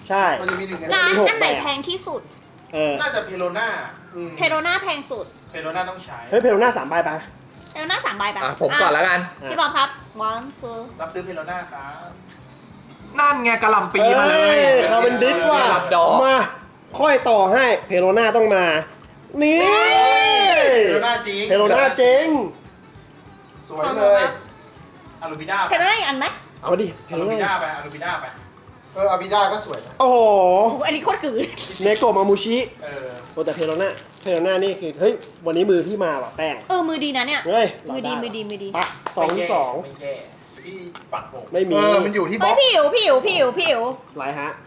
Speaker 2: ใช่
Speaker 3: มันจะมีหนึ่งใน
Speaker 5: ร้าน
Speaker 2: มีหก
Speaker 5: อันไหน
Speaker 2: แบบ
Speaker 5: แพงที่สุด
Speaker 2: เออ
Speaker 6: น่าจะเพโลน่าอืม
Speaker 5: เพโรน่าแพงสุด
Speaker 6: เพโลน่าต้องใช้
Speaker 2: เฮ้ยเพลหน้าสามใบไป
Speaker 5: เพโรน่าสามใบปะ
Speaker 4: อ่ะผมก่อนแล้วกัน
Speaker 5: อ่ะพี่บอมครับ one two
Speaker 6: รับซื้อเพโลน่าครับ
Speaker 4: นั่นไงกะหล่ำปีมาเลย
Speaker 2: คาร์เบนดิสว่ะ
Speaker 4: รับดอก
Speaker 2: มา ค่อยต่อให้เพโลน่าต้องมา นี่
Speaker 6: เพโลน่าจริง
Speaker 2: เพโลน่าเจ๋ง
Speaker 3: สวยเลย
Speaker 6: อารูบิด้า
Speaker 5: เพโรน่าอีกอันไหม
Speaker 2: เอาดิเพ
Speaker 6: อา
Speaker 2: โล
Speaker 6: รูบิ
Speaker 2: น่า
Speaker 6: ด้าไปอารูบิด้าไป
Speaker 3: เอออาบิด้าก็สวยนะ
Speaker 2: โอ้โห
Speaker 5: โอ้โหอันนี้โคตรกือ
Speaker 2: เนโกะมามูชิ
Speaker 6: เออ
Speaker 2: โอ้แต่เพโลน่าเพโลน่านี่คือ เฮ้ย วันนี้มือพี่มาว่ะแป้ง
Speaker 5: เออมือดีนะเนี่ย
Speaker 2: เฮ้ย
Speaker 5: มือดีมือดีมือดี
Speaker 2: ปะสองที่สอง
Speaker 6: ไม่แย่พี่ฝักผม
Speaker 2: ไม่มี
Speaker 3: เออมันอยู่ที่บ
Speaker 5: เฮ้
Speaker 3: ล็
Speaker 5: ย
Speaker 3: อก
Speaker 5: พี่อิ๋วพี่อิ๋วพี่อิ๋วพี่อิ๋ว
Speaker 2: ไรฮะ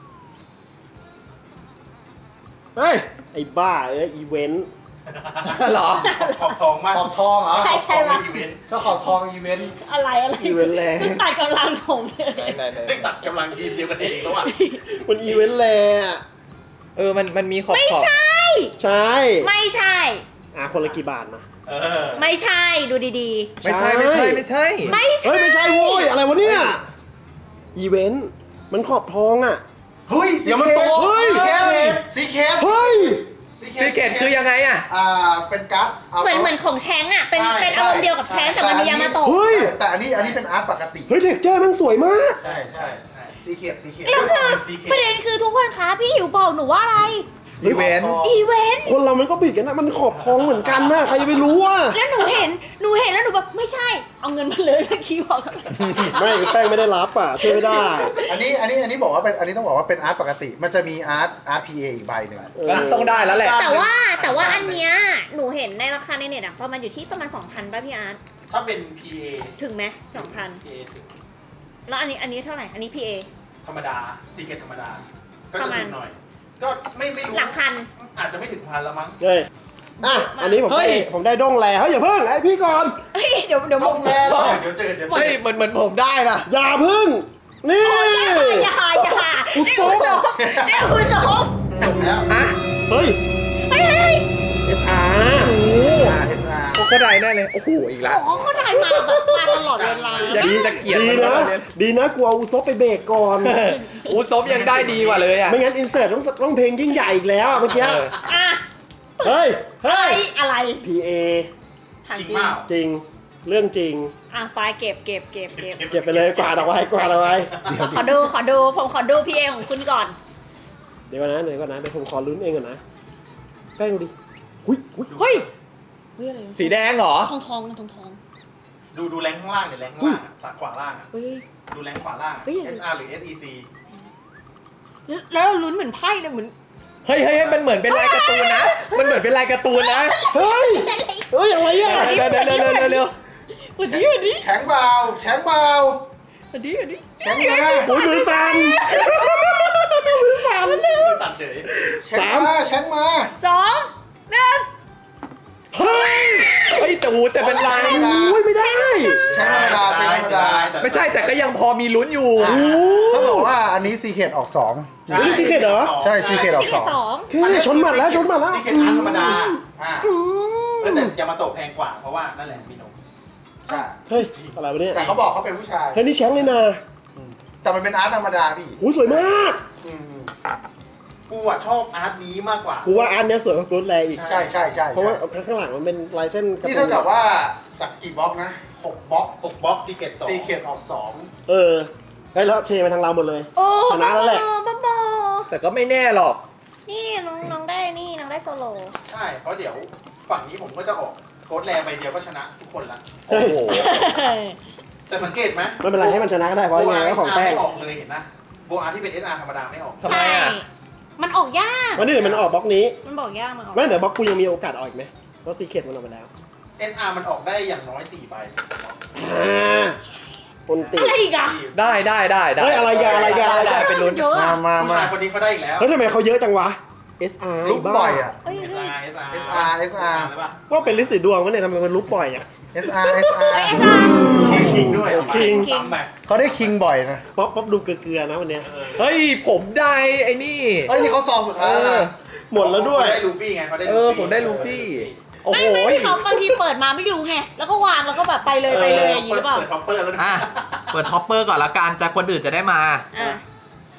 Speaker 2: เฮ้ย ไอ้บ้า เอ้ย อีเวนต์
Speaker 4: เหรอ
Speaker 6: ขอบทองมาก
Speaker 3: ขอบทองเหรอ
Speaker 5: ใช่ใช่
Speaker 6: ขอบทอง
Speaker 5: ปะ
Speaker 6: ในอีเวนต์
Speaker 3: ถ้าขอบทองอีเวนต์
Speaker 5: อะไรอะไร
Speaker 2: อีเวนต์แรง
Speaker 5: ขึ้นตัดกำลังผมเลย
Speaker 6: ได้ตัดกำลังทีมเดียวกันเองแล้วอ่ะ
Speaker 2: มันอีเวนต์แรงอะ
Speaker 4: เออมันมันมีขอบ
Speaker 5: ไม่
Speaker 4: ขอบ
Speaker 5: ใช่
Speaker 2: ใช่
Speaker 5: ไม่ใช่
Speaker 2: อ่ะคนละกี่บาทนะ
Speaker 6: เออ
Speaker 5: ไม่ใช่ดูดี
Speaker 4: ไม่ใช่ไม่ใช่ไม่ใช่
Speaker 5: ๆ ไม่ใช่
Speaker 2: เฮ้ย ไม่ใช่โว้ย อะไรวะเนี่ย อีเวนต์ มันขอบทองอ่ะ
Speaker 3: เฮ้ยสี
Speaker 2: เดี๋ยวมัน
Speaker 3: เค
Speaker 2: โตเฮ้ย
Speaker 3: สีเคสสีเคส
Speaker 2: เฮ้ย
Speaker 4: ซีเกตคือยังไงอ่ะ
Speaker 3: อ่าเป็นการ์ดา
Speaker 5: เหมือนเหมือนของแชงก์อ่ะ เป็นเป็นอารมณ์เดียวกับแชงก์แต่มันมียามาโตะ
Speaker 2: เฮ้ย
Speaker 3: แต่อันนี้อันนี้เป็นอาร์ตปกติ
Speaker 2: เฮ้ยเท็กเจอร์มันสวยมาก
Speaker 6: ใช่ใช่ใช่
Speaker 3: สีเคสสีเคส
Speaker 5: แล้วคือ
Speaker 6: เป็น Secret
Speaker 5: ประเด็นคือทุกคนคะพี่หิวบอกหนูว่าอะไร
Speaker 4: อีเวนต์
Speaker 5: อีเวนต์
Speaker 2: คนเรามันก็บิดกันนะ มันขอบทองเหมือนกันนะ ใครจะไปรู้อ่ะ
Speaker 5: แล้วหนูเห็นหนูเห็นแล้วหนูแบบไม่ใช่ เอาเงินมาเลยเมื่อกี้บอก
Speaker 2: ไม่แป้งไม่ได้รับอ่ะช่วยไม่ได้
Speaker 3: อันนี้อันนี้อันนี้บอกว่าเป็นอันนี้ต้องบอกว่าเป็นอาร์ตปกติ มันจะมีอาร์ตอาร์ตพีเออีกใบหนึ่ง
Speaker 2: เออ
Speaker 4: งั้นต้องได้แล้วแหละ
Speaker 5: แต่ว่าแต่ว่าอันเนี้ยหนูเห็นในราคาในเน็ตอะประมาณอยู่ที่ประมาณ สองพัน ป่ะพี่อาร์ต
Speaker 6: ถ้าเป็น พี เอ
Speaker 5: ถึงไหมสองพัน
Speaker 6: พี เอ
Speaker 5: แล้วอันนี้อันนี้เท่าไหร่ อันนี้ พี เอ
Speaker 6: ธรรมดาซีเคทธรรมดา ก็
Speaker 5: ประ
Speaker 6: จะ
Speaker 5: มาณ
Speaker 6: ถูกหน่อย ก็ไม่ไม่รู้
Speaker 5: หลักพัน
Speaker 6: อาจจะไม่ถึงพันแล้วมั้ง
Speaker 2: เฮ้ย อ่ะ อันนี้ผม
Speaker 4: เฮ้
Speaker 2: ได้
Speaker 4: ย
Speaker 2: ผมได้ด้งแล้วเฮ้ยอย่าเพิ่งไอพี่ก่อน
Speaker 5: เฮ้ยเดี๋ยวเดี๋ยว
Speaker 3: ต้องแน่หรอ
Speaker 6: เดี๋ยวเจอเดี๋ยวเจ
Speaker 4: เฮ้ย
Speaker 6: อ
Speaker 4: เหมือนเหมือนผมได้นะ
Speaker 2: อย่าเพิ่ง นี่
Speaker 5: อย่าอย่า
Speaker 2: อุ
Speaker 5: นี่
Speaker 2: ศ
Speaker 5: อุ
Speaker 2: บ
Speaker 5: ศบนี่อุศบ
Speaker 6: จบแล้ว
Speaker 4: อ่ะ
Speaker 2: เฮ้ย
Speaker 5: เฮ้ยเฮ้ย
Speaker 2: เอส อาร์
Speaker 3: อาร์เอสอาร์
Speaker 4: โอ้ก็ได้แน่เลย โอ้โห อีกแล้ว
Speaker 5: โอ้โหเขาถ่ายมาแบบมาตลอดเวลา
Speaker 4: อย่างนี้จะเกลียด
Speaker 2: ดี
Speaker 4: มัน
Speaker 2: นะ
Speaker 4: แล้วเนี่ย
Speaker 2: ดีนะกลัวอุซบไปเบรกก่อน
Speaker 4: อูซบยังได้ดีกว่าเลยอ่ะ
Speaker 2: ไม่งั้นอินเสิร์ตต้องต้องเพลงยิ่งใหญ่อีกแล้วอะเมื่อกี้
Speaker 4: เออ
Speaker 5: อ่ะ
Speaker 2: เฮ้ย เฮ้
Speaker 5: ไอ้
Speaker 2: ย
Speaker 5: อะไร
Speaker 2: พี เอ
Speaker 5: ถาม
Speaker 6: จริง
Speaker 5: จริง
Speaker 6: เปล่า
Speaker 2: จริง เรื่องจริง
Speaker 5: อ่ะไปเก็บเก็บเก็บเก็บ
Speaker 2: เก็บไปเลยกวาดเอาไว้กวาดเอาไว้
Speaker 5: ขอดูขอดูผมขอดูพี่เอของคุณก่อน
Speaker 2: เดี๋ยวก่อนนะเดี๋ยวก่อนนะเดี๋ยวผมขอลุ้นเองก่อนนะแป้งดูดิหุ้ยหุ้ย
Speaker 5: เฮ้ยเฮ้ยอะไรวะ
Speaker 4: สีแดงเหรอ
Speaker 5: ทองทองทองทอง
Speaker 6: ดูดูแรงข้างล่างเดี๋ยวแรงข้างล่างอะสักขวาล่างอะ
Speaker 5: เฮ้ย
Speaker 6: ดูแรงขวาล่างอะ
Speaker 5: เฮ้ย
Speaker 6: เอส อาร์ หรือ เอส อี ซี
Speaker 5: แล้วแล้วเราลุ้นเหมือนไพ่เลยเหมือน
Speaker 4: เฮ้ยเฮ้ยเฮ้ยมันเหมือนเป็นลายการ์ตูนนะ มันเหมือนเป็นลายการ์ตูนนะ
Speaker 2: เฮ้ย เฮ้ย อะไรอ่ะ
Speaker 4: เร็วเร็วเร็วเร็วเร็วเร็ว
Speaker 5: วันนี้วันนี้
Speaker 3: แชงเบาแชงเบา
Speaker 5: วันนี้วันนี้
Speaker 3: แชงมา
Speaker 2: โอ้ยมือสั่นมือสั่น
Speaker 6: สั่นเฉย
Speaker 3: แชงมาแชงมา
Speaker 5: สองหนึ่ง
Speaker 2: เฮ้ย
Speaker 4: เฮ้ยแต่หูแต่เป็นลาย
Speaker 2: โอ้ยไม่ได้
Speaker 3: แชงธรรมดาแชงธรรมดา
Speaker 4: ไม่ใช่แต่ก็ยังพอมีลุ้นอยู่
Speaker 3: เขาบอกว่าอันนี้ซีเคทออกสอง
Speaker 6: ใช่
Speaker 2: เฮ้ย Secret เหรอ
Speaker 3: ใช่ Secret ออก
Speaker 5: สี่สอง
Speaker 2: โอเคชนหมัดแล้วชนหมัดแล้ว
Speaker 6: ซีเคทอาร์ธรรมดา อ่าเออแต่ยามาโตะแพงกว่า เพราะว่านั่นแหละมีนม
Speaker 3: ใช่
Speaker 2: เฮ้ย อะไรวะเนี่ย
Speaker 3: แต่เขาบอกเขาเป็นผู้ชาย
Speaker 2: เฮ้ยนี่แชมป์เลยนะ
Speaker 3: แต่มันเป็นอาร์ตธรรมดาพี่
Speaker 2: โอ้ยสวยมาก
Speaker 3: อืม
Speaker 6: กูอ่ะชอบอาร์ตนี้มากกว่า
Speaker 2: กูว่าอันเนี้ยสวยกว่ากูดแลอีก
Speaker 3: ใช่ใช่ใช่
Speaker 2: เพราะว่าข้างหลังมันเป็นลายเส้นกระ
Speaker 3: นี่
Speaker 2: ตุ้
Speaker 3: เท่าน กับว่าจากกี่บล็อกนะหกบล็อก
Speaker 6: หกบล็อกซีเคทสอง
Speaker 3: ซีเคทออกสอง
Speaker 2: เออเฮ้ยแล้วเทมาทางเราหมดเลย
Speaker 5: โอ้
Speaker 2: ชนะแล้วแหละ
Speaker 5: บ้าบอ
Speaker 4: แต่ก็ไม่แน่หรอก
Speaker 5: นี่น้องน้องได้นี่น้องได้โซโล
Speaker 6: ใช่ เพราะเดี๋ยวฝั่งนี้ผมก็จะออกโค้ดแรใบเดียวก็ชนะทุกคนละ
Speaker 4: โอ้โห
Speaker 6: แต่สังเกตไหม
Speaker 2: ไม่เป็นไรให้มันชนะก็ได้เพราะยังไงก็ของแป้ง
Speaker 6: ไม่ออกเลยเห็นนะโบอาร์ที่เป็น เอส อาร์ ธรรมดาไม่ออก
Speaker 4: ทำไมอ่ะ
Speaker 5: ใช่มันออกยาก
Speaker 2: วันนี้เดี๋ยวมันออกบล็อกนี้
Speaker 5: มันบอกยากมันออก
Speaker 2: ไม่เดี๋ยวบล็อกกูยังมีโอกาสออกอีกไหมเพราะซีเคทมันออกไปแล้ว
Speaker 6: เอส อาร์ มันออกได้อย่างน้อยสี่ใบ
Speaker 2: อ่าคนติ
Speaker 5: อะไรอีกอ่ะ
Speaker 4: ได้ได้ได้ได้
Speaker 2: เฮ้ยอะไรยาอะไรยา
Speaker 4: ได้ได้เป็นลุ้น
Speaker 5: เยอะ
Speaker 3: มา
Speaker 5: อะ
Speaker 3: มา
Speaker 6: ผู้
Speaker 3: มา
Speaker 6: ชายคนนี้เขาได้อีกแล้ว
Speaker 2: แล้วทำไมเขาเยอะจังวะ เอส อาร์
Speaker 3: ลุกบ่อยอ่ะ
Speaker 5: เอ้ย
Speaker 6: เอส
Speaker 5: เฮ้ย
Speaker 6: อาร์ เอส อาร์
Speaker 3: เอส อาร์ เอส อาร์
Speaker 6: หรือเปล่า
Speaker 2: ว่าเป็นลิสต์สีดวงวะเนี่ยทำไมมันลุกบ่อยอ่ะ
Speaker 3: เอส อาร์ เอส อาร์
Speaker 5: เอ้ยเอ็มอาร์
Speaker 6: คิงคิงด้วย
Speaker 2: คิง
Speaker 6: ซ้ำแบบ
Speaker 3: เขาได้คิงบ่อยนะ
Speaker 2: ป๊อปป๊อปดูเกลือๆนะวันเนี้ย
Speaker 4: เฮ้ยผมได้ไอ้นี่
Speaker 3: เอ้ยนี่เขาซองสุดท้ายแล้วนะ
Speaker 2: หมดแล้วด้วย
Speaker 6: เขาได้ลูฟี่ไงเขาได้
Speaker 4: เอ
Speaker 6: ลู
Speaker 4: อ
Speaker 6: ฟี่
Speaker 4: ผมได้ลูฟี่ โอ้
Speaker 5: ไม่
Speaker 4: โห
Speaker 5: ไม่พี่เขาบางทีเปิดมาไม่ดูไง แล้วก็วางแล้วก็แบบไปเลยไปเลยอย่างนี้หรือเปล่า
Speaker 6: เปิดท็อปเปอร์แล้วนะ
Speaker 4: อ่ะ เปิดท็อปเปอร์ก่อนละกันแต่คนอื่นจะได้มา
Speaker 5: อ่ะ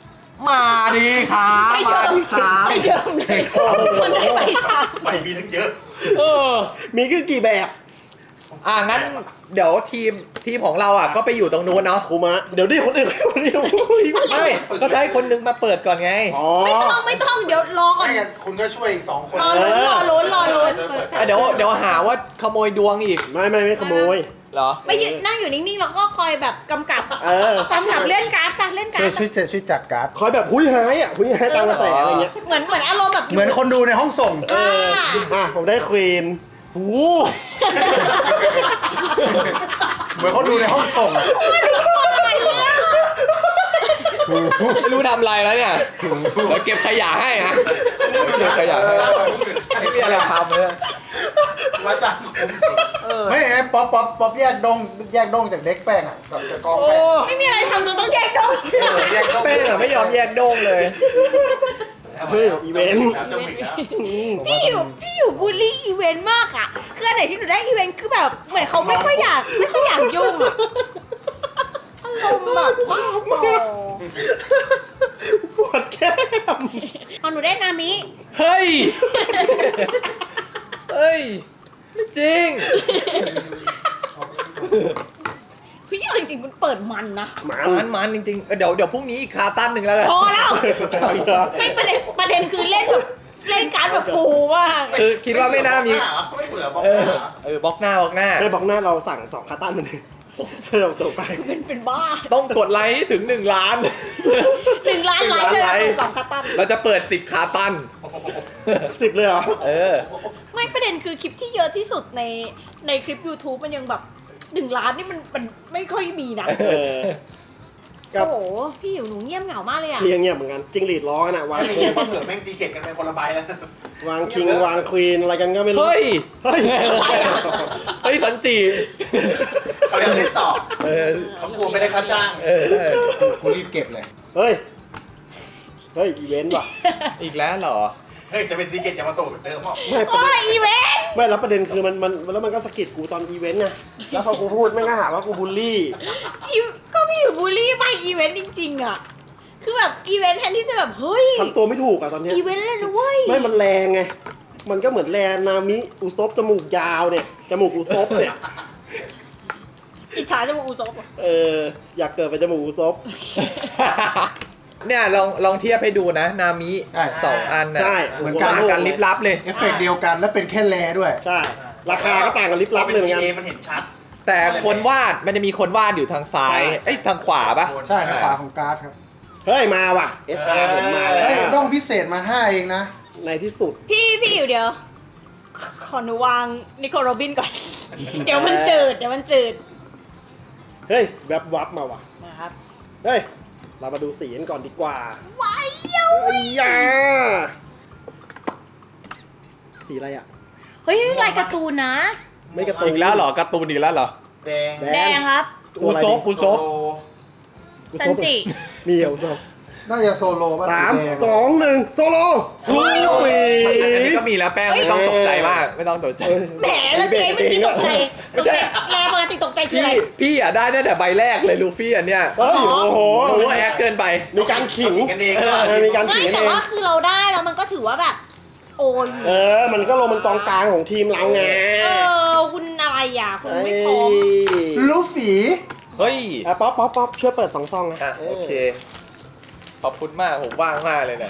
Speaker 4: มาดีครับ
Speaker 5: ไม่
Speaker 4: มา
Speaker 5: เดิม
Speaker 4: ดีครับ
Speaker 5: ไม่เดิมเลยคนได้ไปซ้
Speaker 6: ใบมีทั้งเยอะ
Speaker 4: เออ
Speaker 2: มีคือกี่แบบ
Speaker 4: อ่ะงั้นเดี๋ยวทีมทีมของเราอ่ะก็ไปอยู่ตรงนู้นเนาะ
Speaker 2: ครูมะเดี๋ยวดิคนอื่นคนเดียว
Speaker 4: ไม่ก็จะให้คนนึงมาเปิดก่อนไง
Speaker 2: อ๋อ
Speaker 5: ำไม่ต้องไม่ต้องเดี๋ยวรอก่อน
Speaker 6: ไม่งั้นคุณก็ช่วยอีกสองคน
Speaker 5: รอลุ้นรอลุ้นรอลุ้น
Speaker 4: อ่ะเดี๋ยวเดี๋ยวหาว่าขโมยดวงอีก
Speaker 2: ไม่ไม่ไม่ขโมย
Speaker 4: เหรอ
Speaker 5: ไม่ยืนนั่งอยู่นิ่งๆแล้วก็คอยแบบกำกับ
Speaker 2: เออ
Speaker 5: กำกับเล่นการ์ดไปเล่นการ์
Speaker 3: ช่วย
Speaker 5: ด
Speaker 3: ช่วยช่วยจัดการ์ด
Speaker 2: คอยแบบหุยหายอ่ะหุยหายตามกระแสอะไรเงี้ย
Speaker 5: เหมือนเหมือนอารมณ์แบบ
Speaker 3: เหมือนคนดูในห้องส่ง
Speaker 5: อ่า
Speaker 2: อ่ะผมได้ควีน
Speaker 4: โอ้
Speaker 3: เหมือนคนดูในห้องส่งอะ
Speaker 4: ไม่รู้ทำอะไรแล้วเนี่ยเดี๋ยวเก็บขยะให้นะเก็บขยะให้ไม่มีอะไรทำเลย
Speaker 6: ว่าจ้างผม
Speaker 3: ไม่ไอ้ป๊อปป๊อปป๊อปแยกดงแยกดงจากเด็กแป้งอ่ะ
Speaker 6: กับจะกองแป้ง
Speaker 5: ไม่มีอะไรทำจนต้องแยกดง
Speaker 6: แยกต้อง
Speaker 4: เป้งอะไม่ยอมแยกโด้งเลย
Speaker 2: เฮ้ยอีเวนต์
Speaker 6: แล้วจะวิ่งแล้ว
Speaker 5: พี่อยู่พี่อยู่บูลลี่อีเวนต์มากอ่ะคืออันไหนที่หนูได้อีเวนต์คือแบบเหมือนเขาไม่ค่อยอยากไม่ค่อยอยากยุ่งอ่ะอารมณ์แบบบ้าบอ
Speaker 2: ปวดแก้ม
Speaker 5: พอหนูได้นามิ
Speaker 4: เฮ้ย เฮ้ย ไม่จริง
Speaker 5: พี่เอาจริงๆมันเปิดมันนะ
Speaker 2: หมา
Speaker 4: มันมันจริงๆเออเดี๋ยวเดี๋ยวพรุ่งนี้อีกคาตันหนึ่งแล้วกัน
Speaker 5: พอแล้วไม่ประเด็นประเด็นคือเล่นแบบเล่นการ์ดแบบฟูมาก
Speaker 4: คือคิดว่าไม่น่ามี
Speaker 6: ไม่เบื่อบอก
Speaker 4: เออ
Speaker 6: หน้า
Speaker 4: เออบล็อกหน้าบล็อกหน้า
Speaker 2: ได้บอกหน้าเราสั่งสองคาตันมันเลยเราจบไป
Speaker 5: เป็นเป็นบ้า
Speaker 4: ต้องกดไลค์ให้ถึงหนึ่งล้าน
Speaker 5: หนึ่งล้านไลค์เลยอะสองคาตัน
Speaker 4: เราจะเปิดสิบคาตัน
Speaker 2: สิบเลยเหรอ
Speaker 4: เออ
Speaker 5: ไม่ประเด็นคือคลิปที่เยอะที่สุดในในคลิป YouTube มันยังแบบหนึ่งล้านนี่มันมันไม่ค่อยมีนะ
Speaker 2: เออ ครั
Speaker 5: โอ้
Speaker 2: บ
Speaker 5: โหพี่อยู่หนูเงียบเหงามากเลยอ่ะ
Speaker 2: เรียงเงียบเหมือนกันจิงหรีดร้องกันอะวาง
Speaker 6: ไม่เงี้ยเพราะเผื่อแม่งจีเข็ดกันเป็นคนละใบแล้ว
Speaker 2: วางคิงวางควีนอะไรกันก็ไม่รู้
Speaker 4: เฮ้ย
Speaker 2: เฮ้ย
Speaker 4: เฮ้ยสันจี
Speaker 6: เขายังเล่นต่อ
Speaker 4: เออ
Speaker 6: เขากลัวไม่ได้ค่าจ้าง
Speaker 4: เออเออ
Speaker 3: กูรีบเก็บเลย
Speaker 2: เฮ้ยเฮ้ยอีเวนต์ว่ะ
Speaker 4: อีกแล้วเหรอ
Speaker 6: เฮ้ยจะเป็นซีเกตยามาโตะเหมือนเดิมเปล่า
Speaker 2: ไม่ประ
Speaker 5: โอ้
Speaker 2: เด็น
Speaker 5: ยอีเวนต์
Speaker 2: ไม่แล้วประเด็นคือมันมันแล้วมันก็สะกิดกูตอนอีเวนต์ไงแล้วพอกูพูดแม่งก็หาว่ากูบูลลี่
Speaker 5: อีก็พี่อยู่บูลลี่ไปอีเวนต์จริงๆอ่ะคือแบบอีเวนต์แทนที่จะแบบเฮ้ย
Speaker 2: ทำตัวไม่ถูกอะตอนเนี้ย
Speaker 5: อีเวนต์เลยนะเว้ย
Speaker 2: ไม่มันแรงไง มันก็เหมือนแรงนามิอุซบจมูกยาวเนี่ย จมูกอุซบเนี่ย
Speaker 5: อิจฉาจะมาอูซบอะ
Speaker 2: เออ อยากเกิดเป็นจมูกอุซบ
Speaker 4: เนี่ยลองลองเทียบให้ดูนะ นามิ
Speaker 3: ใช่
Speaker 4: สองอันนะ
Speaker 2: ใช่
Speaker 3: เหมือน
Speaker 4: ต่างกันลิบลับเลย
Speaker 3: เอฟเฟกต์เดียวกันแล้วเป็นแค่แลด้วย
Speaker 2: ใช่ ราคาก็ต่างกันลิบลับเลยเหมือนกัน
Speaker 6: เอมันเห็นชัด
Speaker 4: แต่คนวาดมันจะมีคนวาดอยู่ทางซ้าย
Speaker 2: ใช่
Speaker 4: เอ้ยทางขวาปะ
Speaker 3: ใช่นะฝาของการ์ดครับ
Speaker 2: เฮ้ย มาว่ะ เอส อาร์ ผมมาแล้
Speaker 3: เฮ้ยว ด้
Speaker 2: ว
Speaker 3: องพิเศษมาห้าเองนะ
Speaker 2: ในที่สุด
Speaker 5: พี่พี่อยู่เดี๋ยว ขอหนูวางนิโคลโรบินก่อน เดี๋ยวมันจืดเดี๋ยวมันจืด
Speaker 2: เฮ้ย แวบวับมาว่ะ
Speaker 5: นะครับ
Speaker 2: เฮ้ย เรามาดูสีกันก่อนดีกว่า
Speaker 5: ว้ายเย้า
Speaker 2: ไอ้ยาสีอะไรอ่ะ
Speaker 5: เฮ้ยลายการ์ตูนนะ
Speaker 2: ไม่กระตุ
Speaker 4: อีกแล้วเหรอการ์ตูนอีกแล้วเหรอ
Speaker 6: แดง
Speaker 2: แด
Speaker 5: แดงครับ
Speaker 2: ตัวอะไร
Speaker 4: อุซบ
Speaker 2: ดิ
Speaker 4: อุซบ
Speaker 6: โล
Speaker 2: อุ
Speaker 5: ซั
Speaker 2: ซ
Speaker 5: น
Speaker 2: บ
Speaker 5: จิ
Speaker 2: มีเหรออุซบ
Speaker 3: น่าจะโซโล่ป่ะ
Speaker 2: สาม
Speaker 3: แดง
Speaker 2: สองหนึ่งโซโล่ลูฟี
Speaker 4: อันนี้ก็มีแล้วแป้งไม่ต้องตกใจมาก ไม่ต้องตกใจ
Speaker 5: แหมแล้วเจ๊เมื่อกี้ตกใจ
Speaker 4: ไม่
Speaker 5: ตก
Speaker 4: ใช่
Speaker 5: ใจแรงปกติตกใจคือ
Speaker 4: พี่
Speaker 5: อะไร
Speaker 4: พี่อ่ะได้ตั้งแต่ใบแรกเลยลูฟี่อันเนี้ย
Speaker 2: เฮ้ยโอ้โห
Speaker 4: โอ้โหแอคเกินไป
Speaker 2: มีการขิง
Speaker 6: เขากันเอง
Speaker 2: เออมีการ
Speaker 5: ไม่
Speaker 2: ขิงกัน
Speaker 5: แต่
Speaker 2: เอง
Speaker 5: ว่าคือเราได้แล้วมันก็ถือว่าแบบ โอ้ย
Speaker 2: เออ มันก็ลงมันกองกลางของทีมเราไง
Speaker 5: เออคุณอะไรอ่ะคุณไม่พร้อม
Speaker 3: ลูฝี
Speaker 4: เฮ้ย
Speaker 2: อ่ะป๊อปป๊อปป๊อปช่วยเปิดสองซองนะ
Speaker 4: อ่ะโอเค ขอบคุณมาก ผมว่างมากเลยเนี่ย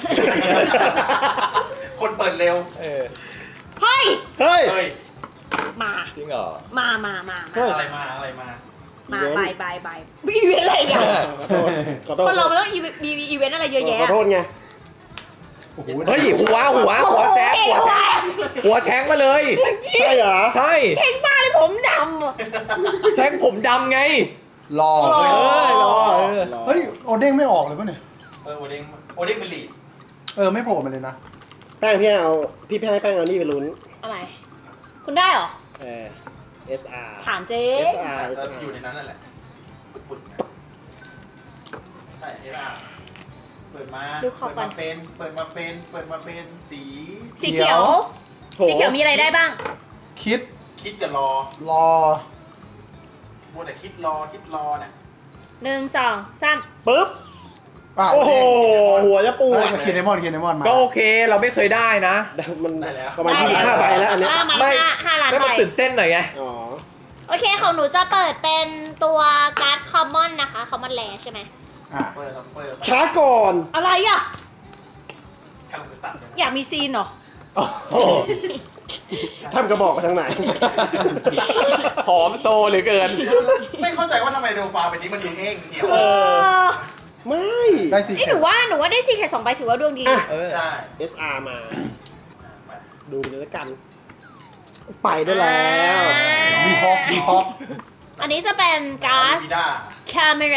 Speaker 6: คนเปิดเร็ว
Speaker 4: เออ
Speaker 5: เฮ้ย
Speaker 2: เฮ้ย
Speaker 6: เฮ้ย
Speaker 5: มา
Speaker 4: จริงเหรอ
Speaker 5: มามามา
Speaker 2: เฮ้ย
Speaker 6: อะไรมาอะไรมา
Speaker 5: มา
Speaker 2: อีเวนต์
Speaker 5: บายบายบายอีเวนต์อะไรกัน
Speaker 2: ขอโทษขอโทษ
Speaker 5: คนเรามันต้องอีเวนต์มีอีเวนต์อะไรเยอะแยะ
Speaker 2: ขอโทษไง
Speaker 3: โอ้โห
Speaker 4: เฮ้ย หัว หัว หัวแซงหัวแซงหัวแชงมาเลย
Speaker 2: ใช่เหรอ
Speaker 4: ใช่
Speaker 5: เช็งบ้าเลยผมดำอะ
Speaker 4: แชงผมดำไง
Speaker 3: รอ
Speaker 5: รอ
Speaker 4: เออรอเออ
Speaker 3: เฮ้ยโอเด้งไม่ออกเลยป่ะเนี่ย
Speaker 6: เออโอเด้งโอเด้งเป็นลีด
Speaker 3: เออไม่โผล่มาเลยนะ
Speaker 2: แป้งพี่เอาพี่ให้แป้งเอานี่ไปลุ้น
Speaker 5: อะไร คุณได้เหรอ
Speaker 2: เออ เอส อาร์
Speaker 5: ถามเจ๊
Speaker 2: เอส อาร์
Speaker 6: แล้วอยู่ในนั้นนั่นแหละปุดๆนะใช่เอล่าเปิดมา
Speaker 5: ดู
Speaker 6: เปิ
Speaker 5: ขอบ
Speaker 6: ด
Speaker 5: ก่อ
Speaker 6: มาน เป็นเปิดมาเป็นเปิดมาเป็นสี
Speaker 5: สีเขียว สีเขียวมีอะไรได้บ้าง
Speaker 3: คิด
Speaker 6: คิดกับรอ
Speaker 3: รอ
Speaker 6: มัวแต่คิดรอคิดรอเนี่ย
Speaker 5: หนึ่งสองสาม
Speaker 2: ปึ๊บ
Speaker 3: อ้าว
Speaker 2: โอ้โห หัวจะปว
Speaker 3: เฮ้ย
Speaker 2: ด
Speaker 3: มาเคียนเดมอนเคียนเดมอนมา
Speaker 4: ก็โอเคเราไม่เคยได้นะ
Speaker 2: มันประมาณยี่สิบห้าใบแล้วอันเนี้ย
Speaker 5: อ่ะมัน
Speaker 4: ไม่
Speaker 5: ห้าห้าล้าน
Speaker 4: ไม่
Speaker 5: ใบ
Speaker 4: มันตื่นเต้นหน่อยไง
Speaker 2: อ๋อ
Speaker 5: โอเคของหนูจะเปิดเป็นตัวการ์ดคอมมอนนะคะคอมมอนแลใช่ไหม
Speaker 3: อ่ะ
Speaker 6: เปิดครับเปิด
Speaker 2: ช้าก่อน
Speaker 5: อะไรอ่ะ
Speaker 6: กำลังจะตัดเลย
Speaker 5: อยากมีซีนเหรอ
Speaker 4: โอ้โห
Speaker 2: ทำกระบอกไปทางไหน
Speaker 4: หอมโซเหลือเกิน
Speaker 6: ไม่เข้าใจว่าทำไมโดฟาเป็นนี้มันดูแห้งเหี่ยว
Speaker 2: เออ ไม่
Speaker 3: ได้สี่
Speaker 5: ไอ้ยหนูว่าหนูว่าได้ซีแค่สองใบถือว่าดวงดี
Speaker 2: อ่ะ
Speaker 4: เออ
Speaker 6: ใช่
Speaker 2: เอส อาร์ มา ดูเลยแล้วกัน ไปได้แล้ว
Speaker 3: มีฮอกมีฮอก
Speaker 5: อันนี้จะเป็นการ์ด
Speaker 6: พีด้า
Speaker 5: คาเมรา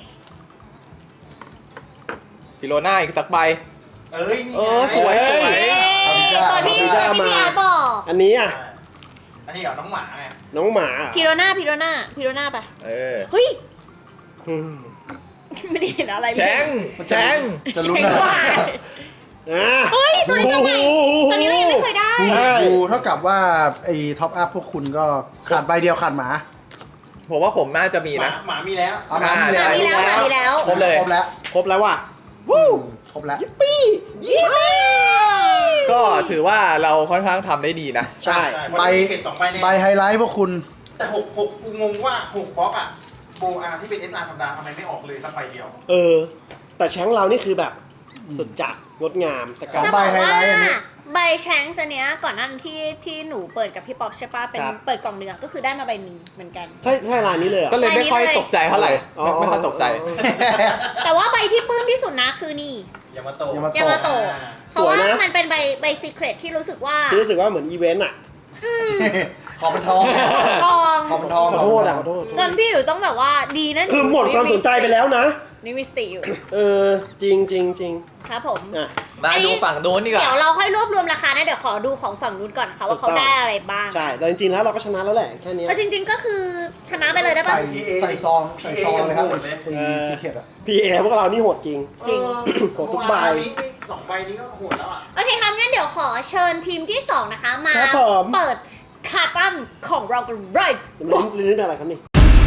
Speaker 4: กิโลหน้าอีกสักใบ
Speaker 6: เอ้ยนี่
Speaker 4: เออสวยสวย
Speaker 5: ตัวที่ตัวที่พี่อาร์ตบอก
Speaker 2: อันนี้อ่ะ
Speaker 6: อันนี้เหรอน้องหมาไง
Speaker 2: น้องหมาอ่ะ
Speaker 5: พิโรนาพิโรนาพิโรนาไป
Speaker 4: เออ
Speaker 5: เฮ้ย
Speaker 2: อืม
Speaker 5: ไม่ได้เห็นอะไร
Speaker 4: แชงแชง
Speaker 3: จะลุ้น
Speaker 5: แชง
Speaker 3: นะ
Speaker 5: ว่า
Speaker 2: อ่ะ
Speaker 5: เฮ้ย ตัวนี้ตัวใหม่ตัวนี้เรายังไม่เคยได้
Speaker 2: ใช่
Speaker 3: ดูเท่ากับว่าไอ้ท็อปอัพพวกคุณก็ขาดใบเดียวขาดหมา
Speaker 4: ผมว่าผมน่าจะมี
Speaker 6: หมา
Speaker 4: นะ
Speaker 6: หมามีแล้ว
Speaker 3: เอาหมามี
Speaker 5: หมามีแล้วหมามีแล้ว
Speaker 4: ครบเลย
Speaker 3: ครบแล้ว
Speaker 2: ครบแล้วว่ะวู้
Speaker 3: ครบแล้ว
Speaker 2: ยิปปี้ยิปปี้
Speaker 4: ก็ถือว่าเราค่อนข้างทำได้ดีนะ
Speaker 2: ใช่
Speaker 3: ใบ
Speaker 6: ใบเก็บสองใบเนี่ย
Speaker 3: ใบไฮไลท์พวกคุณ
Speaker 6: แต่หกหกกูงงว่าหกบล็อกอะโบอาร์ที่เป็น เอส อาร์ ธรรมดาทำไมไม่ออกเลยสักใบเดียว
Speaker 2: เออ แต่แชงเรานี่คือแบบสุดจัดงดงามแต่
Speaker 3: ส
Speaker 2: กา
Speaker 3: อ
Speaker 2: รง
Speaker 5: จะ
Speaker 3: ใบ
Speaker 5: บอก
Speaker 3: ไฮ
Speaker 5: ว่า
Speaker 3: ไลท์อันนี้
Speaker 5: ใบแชงส์อันเนี้ยก่อนหนั้านที่ที่หนูเปิดกับพี่ป๊อกใช่ปะเป็น
Speaker 2: ครับ
Speaker 5: เปิดกล่องเดือนก็คือได้มาใบหนึ่งเหมือนกัน
Speaker 2: ถ้าถ้าร้านนี้เลยเหรอ
Speaker 4: ก็เลยไม่ค่อยตกใจเท่าไหร่
Speaker 2: อ๋อ
Speaker 4: ไม่ไม่ค่อยตกใจ
Speaker 5: แต่ว่าใบที่ปลื้มที่สุดนะคือนี่
Speaker 6: ยามาโตะ
Speaker 3: ยามา
Speaker 5: ยามาโตะ
Speaker 6: อ่า
Speaker 5: เพราะว่า
Speaker 2: สวยนะ
Speaker 5: มันเป็นใบใบซีเครตที่รู้สึกว่า
Speaker 2: ที่รู้สึกว่าเหมือนอีเวนต์อ่ะ
Speaker 3: ขอเป็นทอง
Speaker 5: กอง
Speaker 3: ขอเป็นทอง
Speaker 2: ขอโทษอ่ะขอโทษ
Speaker 5: จนพี่อยู่ต้องแบบว่าดีนะ
Speaker 2: คือหมดความสนใจไปแล้วนะ
Speaker 5: นี่มีสติอยู่
Speaker 2: เออ จริงจริงจริง
Speaker 5: ครับผม
Speaker 2: อ่ะ
Speaker 4: มาดูฝั่งโน้นดีกว่า
Speaker 5: เดี๋ยวเราค่อยรวบรวมราคานะเดี๋ยวขอดูของฝั่งนู้นก่อนค่ะว่าเขาได้อะไรบ้าง
Speaker 2: ใช่ แต่จริงๆแล้วเราก็ชนะแล้วแหละ แค่เนี้ย
Speaker 5: ก็จริง ๆก็คือชนะไปเลยได้ปะ
Speaker 3: ใส่ใส่ซองใส่ซองเลยครับไอ้ซีเคทอะ
Speaker 2: พีเอพวกเรานี่โหดจริง
Speaker 5: จริง
Speaker 2: โหดทุกใบ
Speaker 6: เมื่อวานนี้สองใบนี้ก็โหดแล้วอ่ะ
Speaker 5: โอเคครับงั้นเดี๋ยวขอเชิญทีมที่สองนะคะ มา
Speaker 2: ครับผม
Speaker 5: เปิดคาตันของเรากัน right
Speaker 2: ลิ้นลิ้นอะไรครับนี่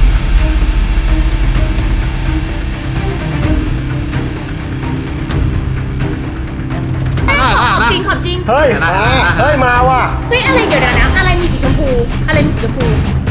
Speaker 5: ของจริงของจริง
Speaker 2: เฮ้ย เฮ้ย มาว่ะ
Speaker 5: เฮ้ยอะไรเดี๋ยวนะอะไรมีสีชมพู อะไรมีสีชมพู